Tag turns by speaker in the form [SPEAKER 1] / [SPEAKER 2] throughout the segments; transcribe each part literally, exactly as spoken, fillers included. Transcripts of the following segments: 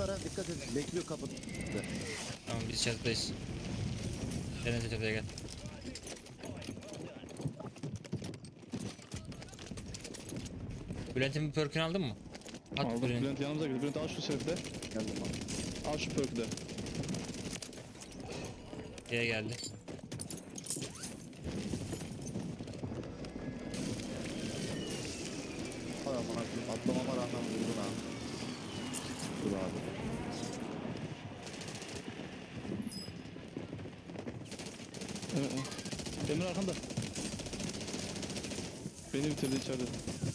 [SPEAKER 1] var ha, dikkat edin. Bekliyor kapıda.
[SPEAKER 2] Tamam biz çatıdayız. Denize çatıya gel. Bülent'in bir perk'ünü aldın mı? At
[SPEAKER 3] Aldım.
[SPEAKER 2] Bülent.
[SPEAKER 3] Bülent yanımıza geldi. Bülent al şu sefte.
[SPEAKER 1] Geldim abi.
[SPEAKER 3] Al şu perk'ü de.
[SPEAKER 2] Diye geldi.
[SPEAKER 1] Hay aman akıllı. Atlamama rağmen vurdun ha. Dur abi.
[SPEAKER 3] Evet, evet. Emre arkanda. Beni bitirdi içeride.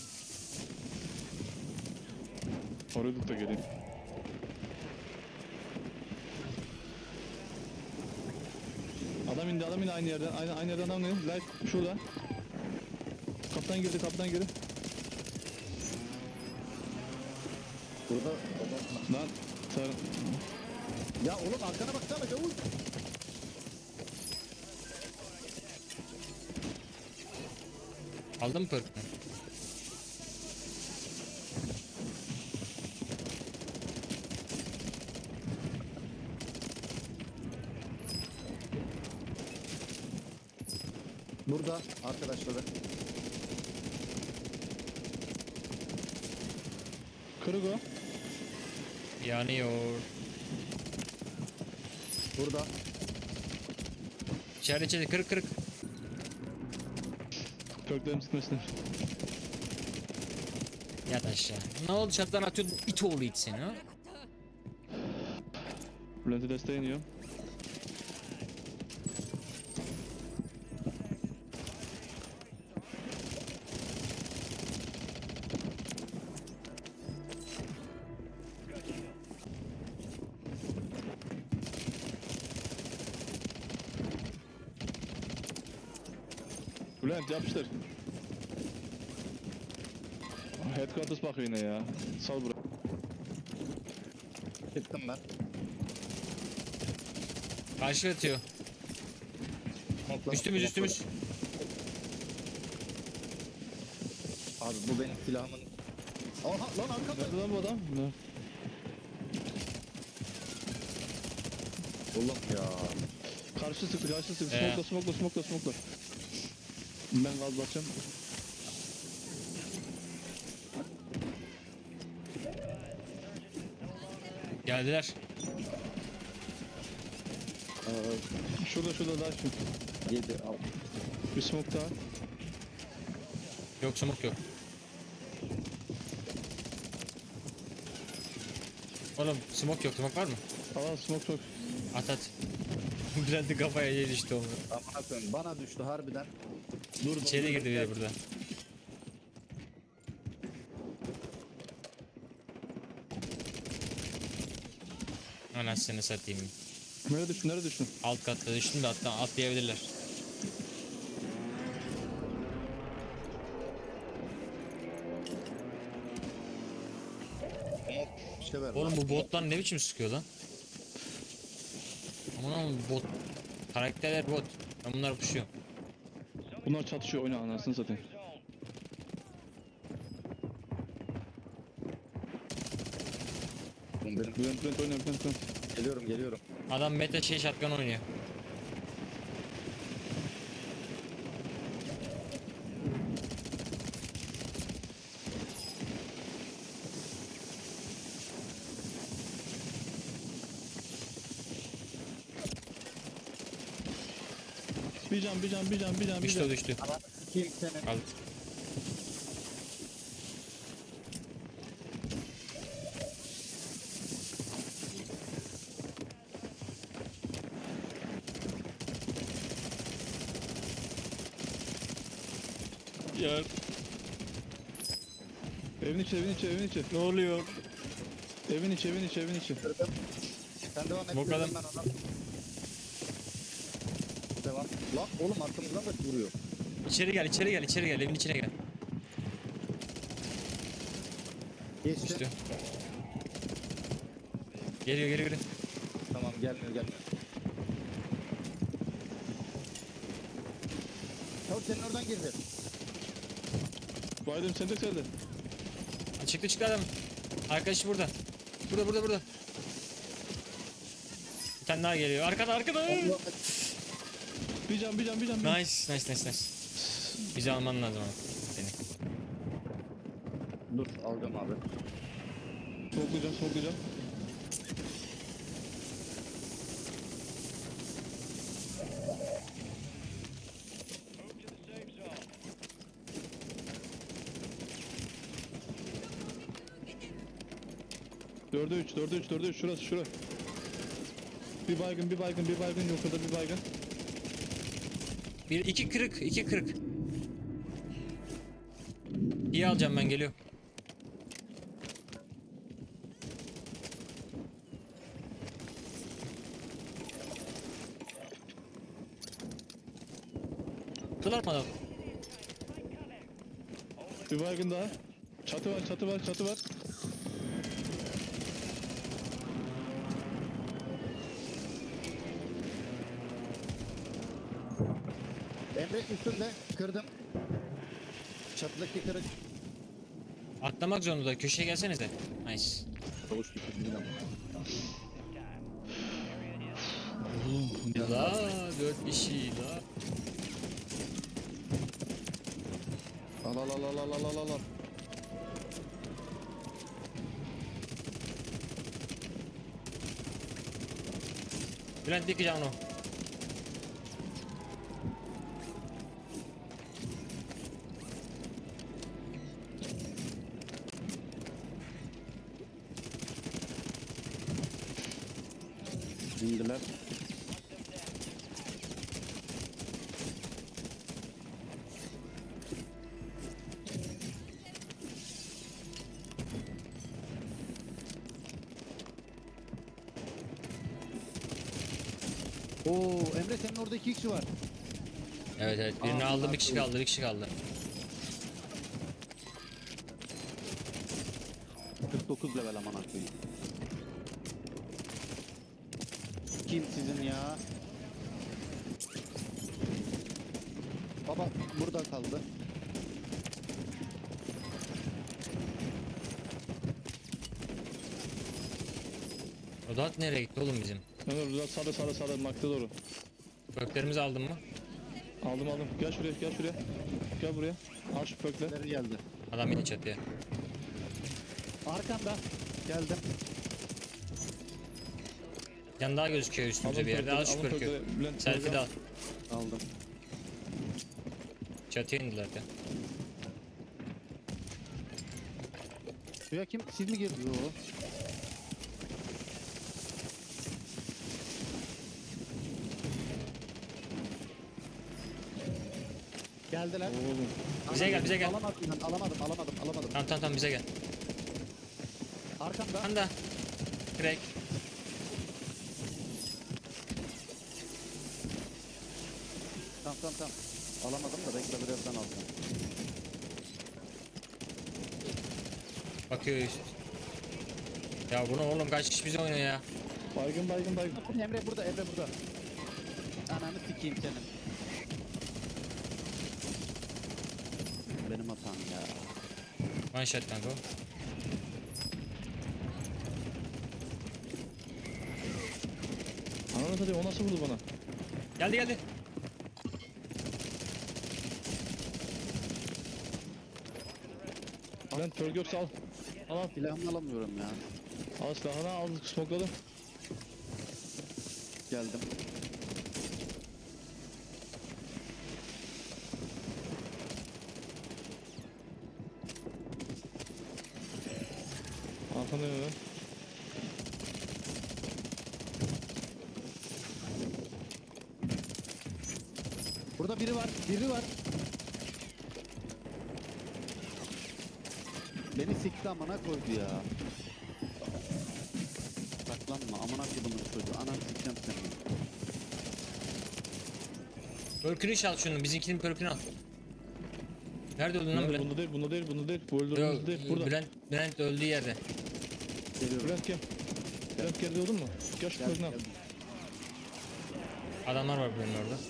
[SPEAKER 3] Oraya tut da geleyim. Adam indi, adam indi aynı yerden. Aynı, aynı yerden adam indi. Light şurada. Kaptan girdi, kaptan girdi.
[SPEAKER 1] Burada adam...
[SPEAKER 3] Lan sen...
[SPEAKER 1] Ya oğlum arkana baksana Cavuz.
[SPEAKER 2] Aldın mı perk'ünü?
[SPEAKER 1] Burada arkadaşları.
[SPEAKER 3] Kırık o.
[SPEAKER 2] Yanıyor.
[SPEAKER 1] Burada.
[SPEAKER 2] İçeride içeride kırık kırık.
[SPEAKER 3] Perklerim sıkmasınlar.
[SPEAKER 2] Yat aşağı. Ne oldu çatıdan atıyordun it oğlu it seni ha?
[SPEAKER 3] Bülent'e desteğe iniyor. Bülent yapıştır. Headquarters bakıyor yine ya. Sal bırak.
[SPEAKER 1] Çıktım ben.
[SPEAKER 2] Karşı atıyor.
[SPEAKER 1] Smoke'la-
[SPEAKER 2] Üstümüz üstümüz.
[SPEAKER 1] Abi bu benim silahımın. Aha lan arkamda.
[SPEAKER 3] Nerede lan bu adam? Ne?
[SPEAKER 1] Oğlum ya.
[SPEAKER 3] Karşı sıktı, karşı sıktı.
[SPEAKER 2] Ee.
[SPEAKER 3] Smokla, smokla, smokla, smokla. Ben gaz basacağım.
[SPEAKER 2] Geldiler.
[SPEAKER 1] Ee,
[SPEAKER 3] Şurada, şurada daha şu.
[SPEAKER 1] yedi al.
[SPEAKER 3] Bir smoke daha.
[SPEAKER 2] Yok smoke yok. Oğlum smoke yok. Smoke var mı?
[SPEAKER 3] Al, smoke çok.
[SPEAKER 2] At at. Bülent'in kafaya yer işte onu.
[SPEAKER 1] Aman koyayım bana düştü harbiden. Dur
[SPEAKER 2] İçeri girdi biri burada. Anasını satayım.
[SPEAKER 3] Nerede düştün, nerede düştün?
[SPEAKER 2] Alt katta düştüm de hatta atlayabilirler.
[SPEAKER 1] İşte ver.
[SPEAKER 2] Oğlum bu botlar ne biçim sıkıyor lan? Aman aman bot. Karakterler bot. Ben bunları puşuyorum.
[SPEAKER 3] Bunlar çatışıyor, oyna anasını satayım.
[SPEAKER 1] Benim.
[SPEAKER 3] Bülent, Bülent oyna, Bülent, Bülent.
[SPEAKER 1] Geliyorum geliyorum.
[SPEAKER 2] Adam meta şey shotgun oynuyor.
[SPEAKER 3] Bir can, bir can, bir can, bir can, bir
[SPEAKER 2] Düştü o
[SPEAKER 3] can.
[SPEAKER 2] düştü.
[SPEAKER 1] Ama kim senin?
[SPEAKER 2] Al. Ya
[SPEAKER 3] Evin içi, evin içi, evin içi.
[SPEAKER 2] ne oluyor?
[SPEAKER 3] Evin içi, evin içi, evin içi.
[SPEAKER 1] Kırdım. Sen devam et.
[SPEAKER 2] Bu kadar.
[SPEAKER 1] kırdım ben ona. Devam. Lan oğlum arkamızdan da vuruyor.
[SPEAKER 2] İçeri gel, içeri gel, içeri gel. Evin içine gel.
[SPEAKER 1] Geçti.
[SPEAKER 2] Düştü. Geliyor, geliyor, geliyor.
[SPEAKER 1] Tamam gelmiyor gelmiyor. Çabuk senin oradan girdi.
[SPEAKER 3] Baydım sen de geldi.
[SPEAKER 2] Çıktı çıktı adam. Arkadaşı burada. Burada, burada, burada. tane daha geliyor. Arkada arkada.
[SPEAKER 3] Bir can bir can bir can. bir can.
[SPEAKER 2] Nice nice nice nice. Bizi alman lazım abi. Seni.
[SPEAKER 1] Dur alacağım abi.
[SPEAKER 3] Smokelayacağım smokelayacağım. Dörde üç, dörde üç, dörde üç, şurası, şurası. Bir baygın, bir baygın, bir baygın, yukarıda bir baygın.
[SPEAKER 2] Bir iki kırık iki kırık. İyi alacağım ben geliyor. Kılar mı adam?
[SPEAKER 3] Bir baygın daha. Çatı var, çatı var, çatı var.
[SPEAKER 1] Emre üstünde kırdım. Çatıdaki kırık.
[SPEAKER 2] Atlamak zorunda. Köşeye gelsenize. Nice.
[SPEAKER 1] Çavuş bir kırık ama.
[SPEAKER 2] La dört kişi la.
[SPEAKER 1] Al al al al al al al al.
[SPEAKER 2] Bülent dikeceğim onu.
[SPEAKER 1] İndiler. Oo Emre senin orada iki kişi var.
[SPEAKER 2] Evet evet birini
[SPEAKER 1] Aa,
[SPEAKER 2] aldım bir kişi
[SPEAKER 1] bunlar
[SPEAKER 2] kaldı bir kişi kaldı.
[SPEAKER 1] kırk dokuz level aman koyayım. Kim sizin ya? Baba burada kaldı.
[SPEAKER 2] Rodat nereye gitti oğlum bizim?
[SPEAKER 3] Ömer Rıza sağda sağda sağda makta doğru.
[SPEAKER 2] Köklerimizi aldın mı?
[SPEAKER 3] Aldım aldım. Gel şuraya gel şuraya. Gel buraya. Al şu pökle.
[SPEAKER 1] Nereye geldi?
[SPEAKER 2] Adam yine çatıya.
[SPEAKER 1] Arkanda. Geldim.
[SPEAKER 2] Yan daha gözüküyor üstümüze
[SPEAKER 3] Alın
[SPEAKER 2] bir yerde.
[SPEAKER 3] pökleri,
[SPEAKER 2] Al şu
[SPEAKER 3] alın
[SPEAKER 2] perkü.
[SPEAKER 3] pökleri. Bülent,
[SPEAKER 2] Selfie de al.
[SPEAKER 1] Aldım.
[SPEAKER 2] Çatıya indiler de.
[SPEAKER 1] Suya kim? Siz mi girdiniz? Yo. Geldiler.
[SPEAKER 3] Oğlum.
[SPEAKER 2] Bize gel, bize gel.
[SPEAKER 1] Alamadım ben, alamadım, alamadım, alamadım.
[SPEAKER 2] Tamam tamam tamam bize gel.
[SPEAKER 1] Arkamda.
[SPEAKER 2] Anda. Crack.
[SPEAKER 1] Tamam tamam tamam. Alamadım da bekle birazdan alacağım.
[SPEAKER 2] Bakıyor üst. Ya bunu oğlum kaç kişi bize oynuyor ya.
[SPEAKER 3] Baygın baygın baygın.
[SPEAKER 1] Emre burada, Emre burada. Ananı sikeyim senin. Benim hatam ya.
[SPEAKER 2] One shot kanka o.
[SPEAKER 3] Ananı satayım o nasıl vurdu bana?
[SPEAKER 2] Geldi geldi.
[SPEAKER 3] Bülent pörg yoksa al. Al al.
[SPEAKER 1] Silahımı alamıyorum ya.
[SPEAKER 3] Al silahını al smokladım.
[SPEAKER 1] Geldim.
[SPEAKER 3] Arkandayım hemen.
[SPEAKER 1] Burada biri var, biri var. Beni sikti amına koydu ya. Saklanma amına koydumun çocuğu. Ananı sikeceğim seni.
[SPEAKER 2] Perkünü çal şunu. Bizimkinin perkünü al. Nerede öldün lan
[SPEAKER 3] Bülent,
[SPEAKER 2] Bülent?
[SPEAKER 3] bunda değil bunda değil bunda değil. Bu
[SPEAKER 2] Yok,
[SPEAKER 3] öldürdüğümüz değil burada.
[SPEAKER 2] Bülent, Bülent öldüğü yerde.
[SPEAKER 1] Geliyorum.
[SPEAKER 3] Bülent gel. Bülent gel diyordun mu? Gel şu
[SPEAKER 1] Geldim,
[SPEAKER 3] pörgünü al.
[SPEAKER 1] geldim.
[SPEAKER 2] Adamlar var Bülent'in orada.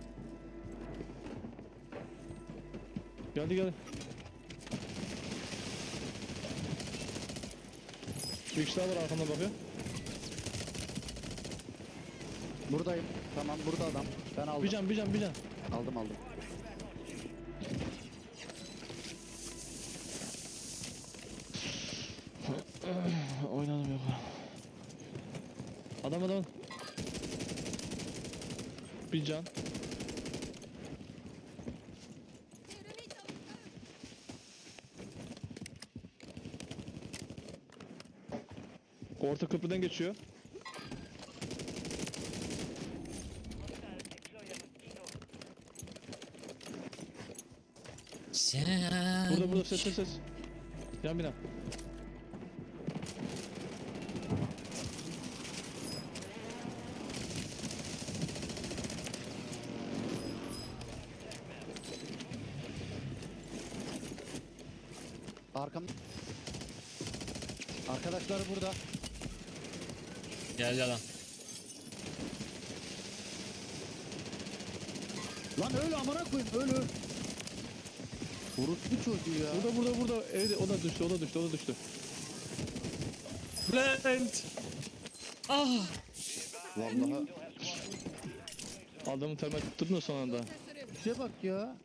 [SPEAKER 3] Geldi geldi. Bir kişi daha var arkamdan bakıyor.
[SPEAKER 1] Buradayım. Tamam burada adam. Ben aldım.
[SPEAKER 3] Bir can bir can bir can.
[SPEAKER 1] Aldım aldım.
[SPEAKER 3] Oynadım yok. Adam adam. Bir can. Orta köprüden geçiyor.
[SPEAKER 2] Sen...
[SPEAKER 3] Burada burada ses ses ses. Yan bina.
[SPEAKER 1] Arkam. Arkadaşlar burada.
[SPEAKER 2] Geldi adam.
[SPEAKER 1] Lan öl amına koyayım öl öl. Orospu çocuğu ya.
[SPEAKER 3] Burada burada burada. Evet o da düştü o da düştü o da düştü.
[SPEAKER 2] Bülent! Ah!
[SPEAKER 1] Vallahi
[SPEAKER 3] Adamın termal tutturdun da son anda.
[SPEAKER 1] bir şeye bak ya.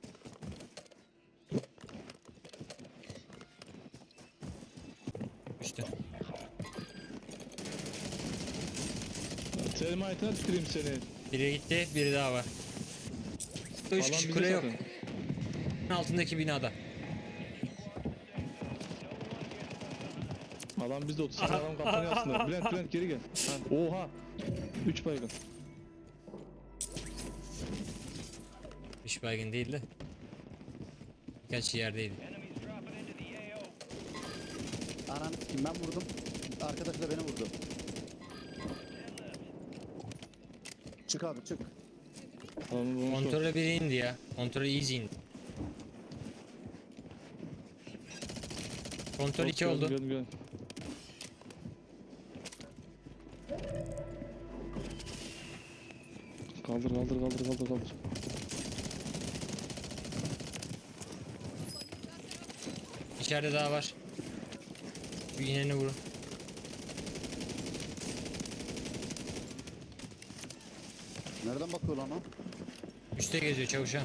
[SPEAKER 2] İşte.
[SPEAKER 3] Termalitine tüküreyim seni.
[SPEAKER 2] Biri gitti, biri daha var. Üç
[SPEAKER 3] Alan
[SPEAKER 2] kişi
[SPEAKER 3] bizi
[SPEAKER 2] kule yok.
[SPEAKER 3] satın.
[SPEAKER 2] Altındaki binada.
[SPEAKER 3] Alan bizde otuz saniye adam kampanya aslında. Bülent Bülent geri gel. Oha. üç baygın.
[SPEAKER 2] Üç baygın değil de. Birkaç yerdeydi.
[SPEAKER 1] Anam kim ben vurdum. Arkadaş da beni vurdu. Çık abi çık.
[SPEAKER 3] Adamın bulmuş var.
[SPEAKER 2] Kontrole biri indi ya. Kontrol easy indi. Kontrol iki
[SPEAKER 3] Gördüm,
[SPEAKER 2] oldu.
[SPEAKER 3] gördüm, gördüm. Kaldır kaldır kaldır kaldır kaldır.
[SPEAKER 2] İçeride daha var. Bir ineni vurun.
[SPEAKER 1] Nereden bakıyor lan o?
[SPEAKER 2] Üste geziyor çavuşa.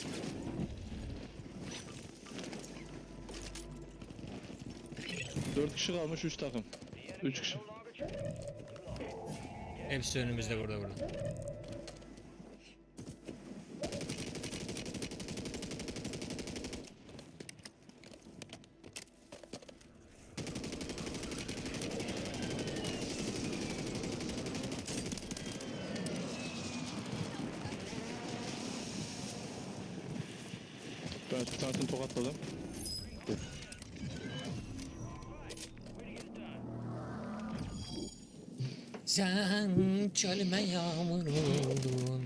[SPEAKER 3] dört kişi kalmış üç takım. üç kişi.
[SPEAKER 2] Hepsi önümüzde burada burada.
[SPEAKER 3] Ben bir tanesini tokatladım.
[SPEAKER 2] Sen çölüme yağmur oldun.